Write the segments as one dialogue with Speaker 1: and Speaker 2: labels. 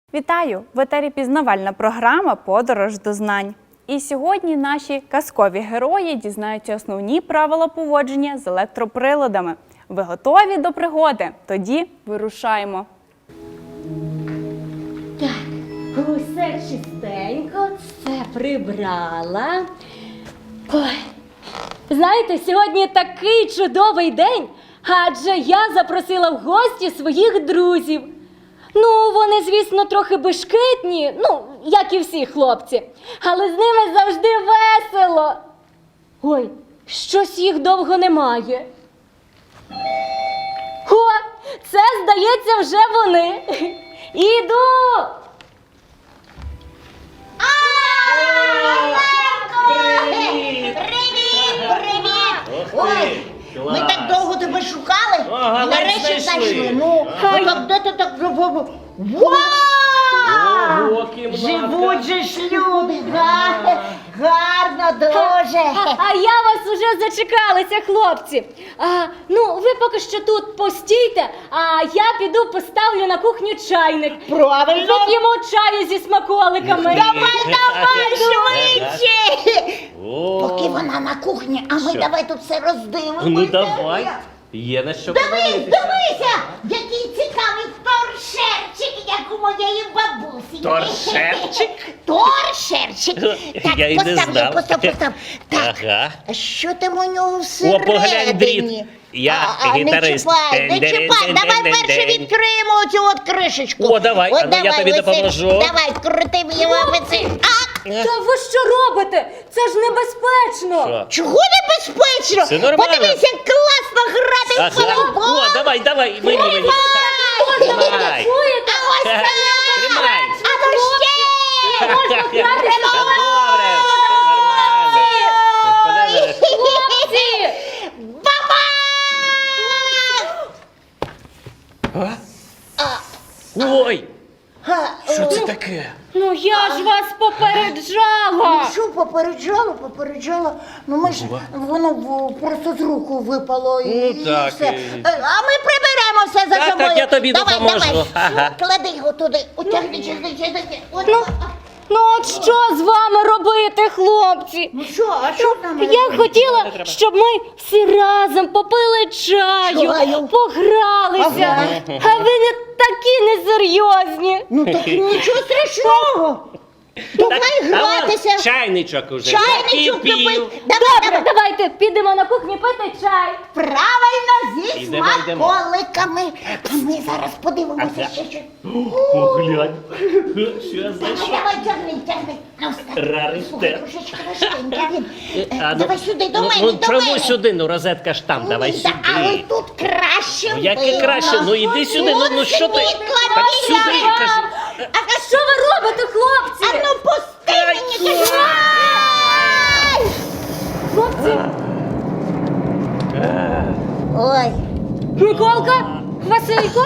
Speaker 1: Вітаю! В етері пізнавальна програма «Подорож до знань». І сьогодні наші казкові герої дізнаються основні правила поводження з електроприладами. Ви готові до пригоди? Тоді вирушаємо.
Speaker 2: Так, усе чистенько, все прибрала. Ой, знаєте, сьогодні такий чудовий день, адже я запросила в гості своїх друзів. Ну, вони, звісно, трохи бешкетні, як і всі хлопці, але з ними завжди весело. Ой, щось їх довго немає. О, це, здається, вже вони. Іду!
Speaker 3: Привіт! Ой, ми так довго тебе шукали,
Speaker 4: Ага,
Speaker 3: і нарешті
Speaker 4: знайшли.
Speaker 3: знайшли. Ну, так де ти так... Вау!
Speaker 4: Ого, кімната.
Speaker 3: Живуть же ж люди, гарно дуже.
Speaker 2: А я вас уже зачекалася, хлопці. Ви поки що тут постійте, а я піду поставлю на кухню чайник.
Speaker 3: Правильно.
Speaker 2: Вип'ємо чаю зі смаколиками.
Speaker 3: Давай швидше!
Speaker 4: О,
Speaker 3: Поки вона на кухні, а ми
Speaker 4: Що?
Speaker 3: давай тут все роздивимося.
Speaker 4: ну давай. Є на що подивитися.
Speaker 3: Дивися, який цікавий торшерчик, як у моєї бабусі.
Speaker 4: Торшерчик?
Speaker 3: Торшерчик. Так,
Speaker 4: Я й не знав.
Speaker 3: постав. Так,
Speaker 4: Ага.
Speaker 3: а що там у нього
Speaker 4: О,
Speaker 3: всередині?
Speaker 4: поглянь, дріт. Я гітарист.
Speaker 3: Не чіпай. Давай перше відкриємо оцю от кришечку.
Speaker 4: О, давай,
Speaker 3: От
Speaker 4: а ну я тобі
Speaker 3: Василь,
Speaker 4: допоможу.
Speaker 3: Давай, крути мені лапиці.
Speaker 2: Та ви що робите? Це ж небезпечно.
Speaker 4: Що?
Speaker 3: Чого небезпечно?
Speaker 4: Все нормально.
Speaker 3: Подивись, як класно грати в
Speaker 4: Ага.
Speaker 3: футбол.
Speaker 4: О, давай, мені.
Speaker 2: Можна ви
Speaker 4: Тримай.
Speaker 2: не чуєте?
Speaker 3: А ось так.
Speaker 4: Тримай.
Speaker 3: А ну ще!
Speaker 2: Не можна грати
Speaker 4: Та
Speaker 2: з
Speaker 4: добре, нормально.
Speaker 2: хлопці!
Speaker 3: Баба!
Speaker 4: Ой,
Speaker 3: Га,
Speaker 4: що це таке?
Speaker 2: Ну я ж вас попереджала.
Speaker 3: Що попереджала? Ну ми ж, воно просто з руку випало і
Speaker 4: Ну, так,
Speaker 3: все.
Speaker 4: і-
Speaker 3: А ми приберемо все за
Speaker 4: Так,
Speaker 3: собою.
Speaker 4: я тобі
Speaker 3: Давай,
Speaker 4: допоможу.
Speaker 3: Давай,
Speaker 4: Ага.
Speaker 3: клади його туди, утягни, чесни.
Speaker 2: Ну от що з вами робити, хлопці?
Speaker 3: Ну що, а що там?
Speaker 2: Я хотіла, щоб ми всі разом попили чаю,
Speaker 3: Чаю.
Speaker 2: погралися,
Speaker 3: Ага.
Speaker 2: а ви не такі несерйозні.
Speaker 3: Ну так нічого страшного. Давай
Speaker 4: Та вон
Speaker 3: гратися.
Speaker 4: чайничок уже.
Speaker 3: Чайничок
Speaker 4: закипів.
Speaker 3: кипить.
Speaker 2: Добре, давайте підемо на кухню пити чай.
Speaker 3: Правильно, зі
Speaker 4: Йдемо.
Speaker 3: смаколиками. А ми зараз подивимося,
Speaker 4: Ага.
Speaker 3: що.
Speaker 4: Поглянь. Що знайшов?
Speaker 3: Давай, тягни. Ну, встань.
Speaker 4: Раритет.
Speaker 3: Слухай, трошечки важкенький він.
Speaker 4: А, ну,
Speaker 3: Давай сюди, до мене,
Speaker 4: Ну
Speaker 3: до
Speaker 4: чому
Speaker 3: мене.
Speaker 4: сюди? Ну розетка ж там, давай
Speaker 3: Ні, але
Speaker 4: сюди.
Speaker 3: тут краще
Speaker 4: Ну, яке
Speaker 3: видно.
Speaker 4: краще? Ну іди сюди, ну що ти?
Speaker 3: Світла
Speaker 4: Так
Speaker 3: біля.
Speaker 4: сюди, кажи.
Speaker 2: А що ви робите, хлопці?
Speaker 3: А ну пусти мені, кажу. Ай!
Speaker 2: Хлопці,
Speaker 3: Ой,
Speaker 2: Миколка, Василько,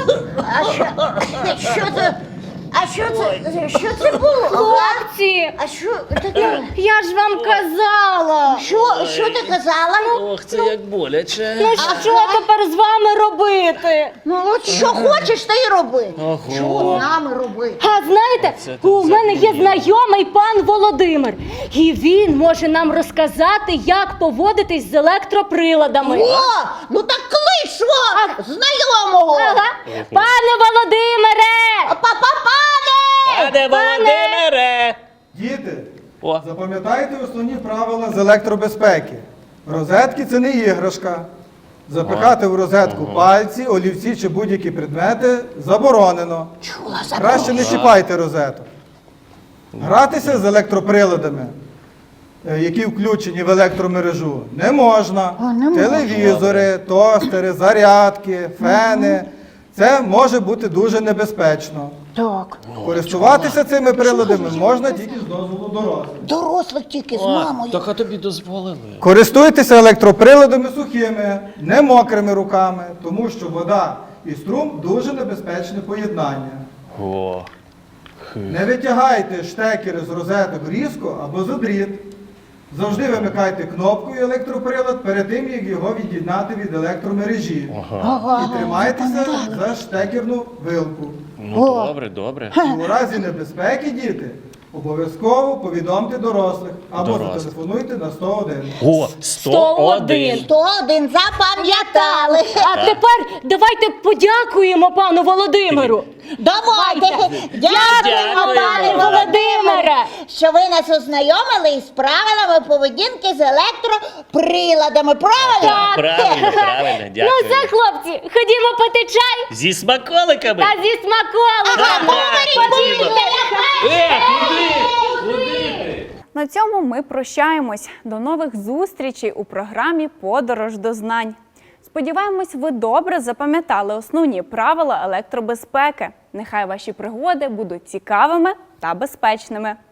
Speaker 3: що це було?
Speaker 2: хлопці,
Speaker 3: А що таке?
Speaker 2: я ж вам казала.
Speaker 3: Що ти казала?
Speaker 4: Ох, це як боляче.
Speaker 2: Ну що тепер з вами робити?
Speaker 3: Ну от що хочеш, ти й роби.
Speaker 4: Ого.
Speaker 3: Що з нами робити?
Speaker 2: А знаєте,
Speaker 4: Оце тут
Speaker 2: у мене є
Speaker 4: задумано.
Speaker 2: знайомий пан Володимир, і він може нам розказати, як поводитись з електроприладами.
Speaker 3: О, ну так клич свого знайомого.
Speaker 2: Ага. Пане Володимире!
Speaker 4: Пане Володимире!
Speaker 5: Діти,
Speaker 4: О.
Speaker 5: запам'ятайте основні правила з електробезпеки. Розетки – це не іграшка. Запихати в розетку пальці, олівці чи будь-які предмети заборонено.
Speaker 3: Чула
Speaker 5: Краще не чіпайте розеток. Гратися з електроприладами, які включені в електромережу, не можна.
Speaker 3: не можна.
Speaker 5: Телевізори, тостери, зарядки, фени – це може бути дуже небезпечно.
Speaker 3: Так.
Speaker 5: Користуватися цими приладами можна тільки з дозволу дорослих.
Speaker 3: Дорослих тільки з мамою.
Speaker 4: Так а тобі дозволили.
Speaker 5: Користуйтеся електроприладами сухими, не мокрими руками, тому що вода і струм дуже небезпечне поєднання.
Speaker 4: О.
Speaker 5: Не витягайте штекери з розеток різко або за дріт. Завжди вимикайте кнопкою електроприлад перед тим, як його від'єднати від електромережі. І тримайтеся за штекерну вилку.
Speaker 4: Ну, добре, добре.
Speaker 5: І у разі небезпеки, діти, обов'язково повідомте дорослих або
Speaker 4: Дорослих.
Speaker 5: зателефонуйте на 101.
Speaker 4: О, 101.
Speaker 3: 101 запам'ятали.
Speaker 2: А тепер давайте подякуємо пану Володимиру.
Speaker 3: Давайте. Дякуємо,
Speaker 4: Дякуємо.
Speaker 3: пане
Speaker 2: Володимире,
Speaker 3: що ви нас ознайомили із правилами поведінки з електроприладами. Правильно?
Speaker 4: Правильно, правильно,
Speaker 2: Ну
Speaker 4: дякую.
Speaker 2: все, хлопці, ходімо пити чай
Speaker 4: Зі смаколиками.
Speaker 2: та зі смаколиками.
Speaker 4: Ходімо. Куди ти?
Speaker 1: На цьому ми прощаємось. До нових зустрічей у програмі «Подорож до знань». Сподіваємось, ви добре запам'ятали основні правила електробезпеки. Нехай ваші пригоди будуть цікавими та безпечними.